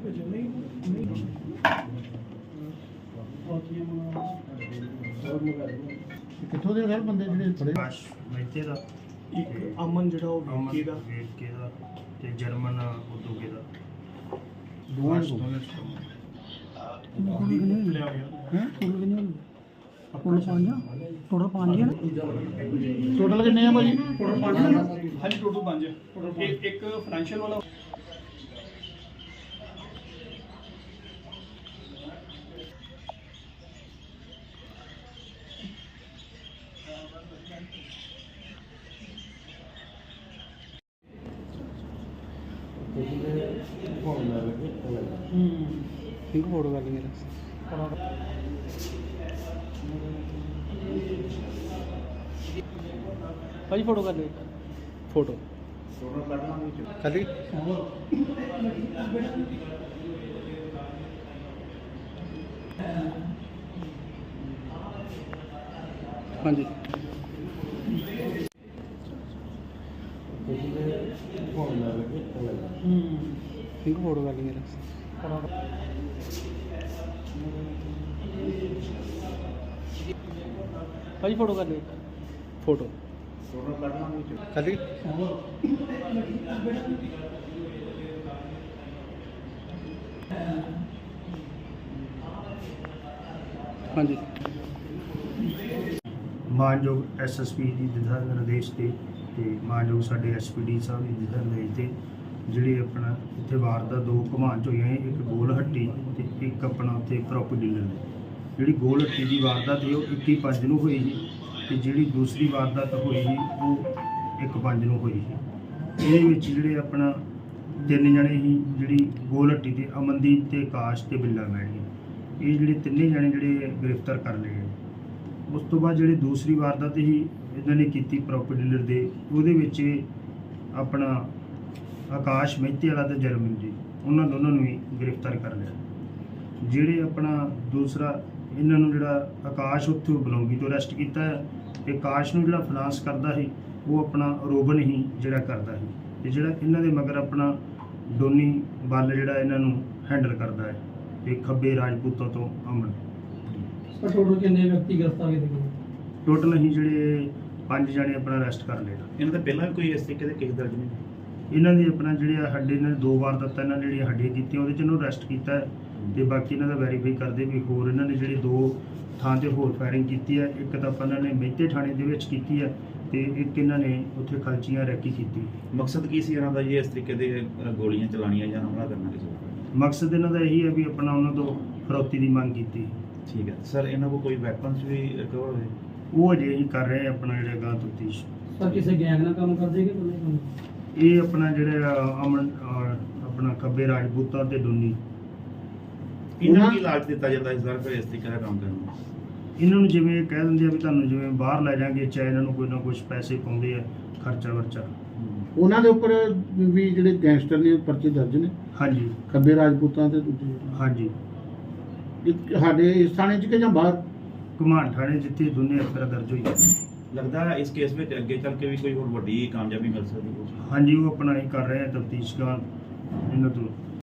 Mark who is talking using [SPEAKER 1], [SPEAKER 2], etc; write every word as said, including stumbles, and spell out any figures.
[SPEAKER 1] ਕਿੱਥੋਂ ਦੇ ਸਰ ਬੰਦੇ ਜਿਹੜੇ ਫੜੇ?
[SPEAKER 2] ਆਕਾਸ਼ ਮਹਿਤੇ ਦਾ,
[SPEAKER 3] ਇੱਕ ਅਮਨ ਜਿਹੜਾ ਉਹ
[SPEAKER 2] ਅਮਨ
[SPEAKER 3] ਵਿੱਕੀ ਦਾ
[SPEAKER 2] ਵੇਰਕੇ ਦਾ ਤੇ ਜਰਮਨ ਉਦੋਗੇ ਦਾ।
[SPEAKER 1] ਦੋਵਾਂ
[SPEAKER 2] ਬਸ
[SPEAKER 1] ਨੂੰ
[SPEAKER 2] ਦੋਨੇ ਸਭ।
[SPEAKER 3] ਲਿਆ ਗਿਆ।
[SPEAKER 1] ਹੈ
[SPEAKER 3] ਟੋਟਲ ਪੰਜ ਟੋਟਲ ਪੰਜ ਹੈ ਨਾ
[SPEAKER 1] ਟੋਟਲ ਕਿੰਨੇ ਆ ਭਾਜੀ?
[SPEAKER 3] ਟੋਟਲ ਪੰਜ ਹਾਂਜੀ ਟੋਟਲ ਪੰਜ ਇੱਕ ਇੱਕ ਫਾਈਨੈਂਸ਼ੀਅਲ ਵਾਲਾ
[SPEAKER 1] ਇੱਕ ਫੋਟੋ ਕਰ ਲਈ ਮੇਰਾ।
[SPEAKER 3] ਭਾਜੀ ਫੋਟੋ ਕਰ ਲਿਓ
[SPEAKER 1] ਫੋਟੋ ਕਰ ਲਈ। ਹਾਂਜੀ ਇੱਕ ਫੋਟੋ ਕਰ ਲਈ ਮੇਰਾ।
[SPEAKER 3] ਭਾਜੀ ਫੋਟੋ ਕਰ ਲਿਓ
[SPEAKER 1] ਫੋਟੋ ਕਰ ਲਈ। ਹਾਂਜੀ
[SPEAKER 2] ਮਾਨਯੋਗ ਐਸ ਐਸ ਪੀ ਦੀ ਦਿਸ਼ਾ ਨਿਰਦੇਸ਼ ਤੇ ਤੇ ਮਾਨਯੋਗ ਸਾਡੇ ਐਸ ਪੀ ਡੀ ਸਾਹਿਬ ਦੀ ਦਿਸ਼ਾ ਨਿਰਦੇਸ਼ ਤੇ ਜਿਹੜੇ ਆਪਣਾ ਇੱਥੇ ਵਾਰਦਾਤ ਦੋ ਘੁਮਾਂਚ ਹੋਈਆਂ, ਇੱਕ ਗੋਲ ਹੱਟੀ ਤੇ ਇੱਕ ਆਪਣਾ ਉੱਥੇ ਪ੍ਰੋਪਰਟੀ ਡੀਲਰ ਦੀ। ਜਿਹੜੀ ਗੋਲ ਹੱਟੀ ਦੀ ਵਾਰਦਾਤ ਸੀ ਉਹ ਇੱਕੀ ਪੰਜ ਨੂੰ ਹੋਈ ਸੀ ਤੇ ਜਿਹੜੀ ਦੂਸਰੀ ਵਾਰਦਾਤ ਹੋਈ ਸੀ ਉਹ ਇੱਕ ਪੰਜ ਨੂੰ ਹੋਈ ਸੀ। ਇਹਦੇ ਵਿੱਚ ਜਿਹੜੇ ਆਪਣਾ ਤਿੰਨ ਜਣੇ ਸੀ, ਜਿਹੜੀ ਗੋਲ ਹੱਟੀ ਤੇ ਅਮਨਦੀਪ ਤੇ ਆਕਾਸ਼ ਤੇ ਬਿੱਲਾ ਮੈਣੀ, ਇਹ ਜਿਹੜੇ ਤਿੰਨੇ ਜਣੇ ਜਿਹੜੇ ਗ੍ਰਿਫਤਾਰ ਕਰ ਲਏ ਗਏ। ਉਸ ਤੋਂ ਬਾਅਦ ਜਿਹੜੀ ਦੂਸਰੀ ਵਾਰਦਾਤ ਸੀ ਇਹਨਾਂ ਨੇ ਕੀਤੀ ਪ੍ਰੋਪਰਟੀ ਡੀਲਰ ਦੇ, ਉਹਦੇ ਵਿੱਚ ਆਪਣਾ ਆਕਾਸ਼ ਮਹਿਤੇ ਵਾਲਾ ਤੇ ਜਰਮਨ ਜੀ, ਉਹਨਾਂ ਦੋਨਾਂ ਨੂੰ ਵੀ ਗ੍ਰਿਫਤਾਰ ਕਰ ਲਿਆ। ਜਿਹੜੇ ਆਪਣਾ ਦੂਸਰਾ ਇਹਨਾਂ ਨੂੰ ਜਿਹੜਾ ਆਕਾਸ਼ ਉੱਥੋਂ ਬਲੌਂਗੀ ਤੋਂ ਅਰੈਸਟ ਕੀਤਾ ਹੈ ਤੇ ਆਕਾਸ਼ ਨੂੰ ਜਿਹੜਾ ਫਾਈਨਾਂਸ ਕਰਦਾ ਸੀ ਉਹ ਆਪਣਾ ਰੋਬਨ ਹੀ ਜਿਹੜਾ ਕਰਦਾ ਸੀ ਤੇ ਜਿਹੜਾ ਇਹਨਾਂ ਦੇ ਮਗਰ ਆਪਣਾ ਡੋਨੀ ਬੱਲ ਜਿਹੜਾ ਇਹਨਾਂ ਨੂੰ ਹੈਂਡਲ ਕਰਦਾ ਹੈ ਤੇ ਖੱਬੇ ਰਾਜਪੂਤਾਂ ਤੋਂ ਅਮਨ।
[SPEAKER 3] ਸਰ ਟੋਟਲ ਕਿੰਨੇ ਵਿਅਕਤੀ ਗ੍ਰਿਫਤਾਰ ਕੀਤੇ ਗਏ?
[SPEAKER 2] ਟੋਟਲ ਅਸੀਂ ਜਿਹੜੇ ਪੰਜ ਜਣੇ ਆਪਣਾ ਅਰੈਸਟ ਕਰ ਲਏ।
[SPEAKER 4] ਇਹਨਾਂ ਦਾ ਪਹਿਲਾਂ ਵੀ ਕੋਈ ਇਸ ਤਰੀਕੇ ਦੇ ਕੇਸ ਦਰਜ ਨਹੀਂ?
[SPEAKER 2] ਇਹਨਾਂ ਦੀ ਆਪਣਾ ਜਿਹੜੇ ਸਾਡੇ ਇਹਨਾਂ ਨੇ ਦੋ ਵਾਰ ਦਿੱਤਾ, ਇਹਨਾਂ ਜਿਹੜੀਆਂ ਹੱਡੀਆਂ ਕੀਤੀਆਂ ਉਹਦੇ ਚ ਇਹਨੂੰ ਅਰੈਸਟ ਕੀਤਾ ਹੈ ਤੇ ਬਾਕੀ ਇਹਨਾਂ ਦਾ ਵੈਰੀਫਾਈ ਕਰਦੇ ਵੀ ਹੋਰ ਇਹਨਾਂ ਨੇ ਜਿਹੜੇ ਦੋ ਥਾਂ ਤੇ ਹੋਰ ਫਾਇਰਿੰਗ ਕੀਤੀ ਹੈ। ਇੱਕ ਤਾਂ ਆਪਾਂ ਇਹਨਾਂ ਨੇ ਮਹਿਤੇ ਥਾਣੇ ਦੇ ਵਿੱਚ ਕੀਤੀ ਹੈ ਤੇ ਇੱਕ ਇਹਨਾਂ ਨੇ ਉੱਥੇ ਖਲਚੀਆਂ ਰੈਕੀ ਕੀਤੀ।
[SPEAKER 4] ਮਕਸਦ ਕੀ ਸੀ ਇਹਨਾਂ ਦਾ ਜੀ ਇਸ ਤਰੀਕੇ ਦੇ ਅ, ਗੋਲੀਆਂ ਚਲਾਉਣੀਆਂ ਜਾਂ ਹਮਲਾ ਕਰਨਾ ਕਿਸੇ ਉੱਪਰ?
[SPEAKER 2] ਮਕਸਦ ਇਹਨਾਂ ਦਾ ਇਹੀ ਹੈ ਵੀ ਆਪਣਾ ਉਹਨਾਂ ਤੋਂ ਫਰੌਤੀ ਦੀ ਮੰਗ ਕੀਤੀ।
[SPEAKER 4] ਠੀਕ ਹੈ ਸਰ, ਇਹਨਾਂ ਕੋਲ ਕੋਈ ਵੈਪਨਸ ਵੀ ਰਿਕਵਰ ਹੋਏ?
[SPEAKER 2] ਉਹ ਅਜੇ ਅਸੀਂ ਕਰ ਰਹੇ ਹਾਂ ਆਪਣਾ ਜਿਹੜਾ ਗਾਂ ਤਫਤੀਸ਼।
[SPEAKER 3] ਸਰ ਕਿਸੇ ਗੈਂਗ ਨਾਲ ਕੰਮ ਕਰਦੇ ਕਿ ਇਕੱਲੇ ਕੰਮ?
[SPEAKER 2] ਇਹ ਆਪਣਾ ਜਿਹੜਾ ਅਮਨ ਅਹ, ਆਪਣਾ ਖੱਬੇ ਰਾਜਪੂਤਾਂ ਤੇ ਡੋਨੀ,
[SPEAKER 4] ਇਹਨਾਂ ਨੂੰ ਕੀ ਲਾਲਚ ਦਿੱਤਾ ਜਾਂਦਾ ਇਸ ਵਾਰ ਫਿਰ ਇਸ ਤਰੀਕੇ ਦਾ ਕੰਮ ਕਰਨ ਨੂੰ?
[SPEAKER 2] ਇਹਨਾਂ ਨੂੰ ਜਿਵੇਂ ਕਹਿ ਦਿੰਦੇ ਆ ਵੀ ਤੁਹਾਨੂੰ ਜਿਵੇਂ ਬਾਹਰ ਲੈ ਜਾਾਂਗੇ, ਚਾਹੇ ਇਹਨਾਂ ਨੂੰ ਕੋਈ ਨਾ ਕੁਝ ਪੈਸੇ ਪਾਉਂਦੇ ਆ, ਖਰਚਾ ਵਰਚਾ।
[SPEAKER 1] ਉਹਨਾਂ ਦੇ ਉੱਪਰ ਵੀ ਜਿਹੜੇ ਗੈਂਗਸਟਰ ਨੇ ਪਰਚੇ ਦਰਜ ਨੇ
[SPEAKER 2] ਹਾਂਜੀ
[SPEAKER 1] ਖੱਬੇ ਰਾਜਪੂਤਾਂ ਤੇ ਦੂਜੇ
[SPEAKER 2] ਹਾਂਜੀ
[SPEAKER 1] ਇੱਕ ਸਾਡੇ ਇਸ ਥਾਣੇ 'ਚ ਕਿ ਜਾਂ ਬਾਹਰ?
[SPEAKER 2] ਘੁਮਾਣ ਥਾਣੇ ਜਿੱਥੇ ਦੋਨੇ ਅਫਸਰ ਦਰਜ ਹੋਈ।
[SPEAKER 4] ਲੱਗਦਾ ਹੈ ਇਸ ਕੇਸ ਵਿੱਚ ਅੱਗੇ ਚੱਲ ਕੇ ਵੀ ਕੋਈ ਹੋਰ ਵੱਡੀ ਕਾਮਯਾਬੀ ਮਿਲ ਸਕਦੀ ਹੈ?
[SPEAKER 2] ਹਾਂਜੀ ਉਹ ਆਪਣਾ ਹੀ ਕਰ ਰਹੇ ਆ ਤਫਤੀਸ਼ ਦਾ ਇਹਨਾਂ ਤੋਂ।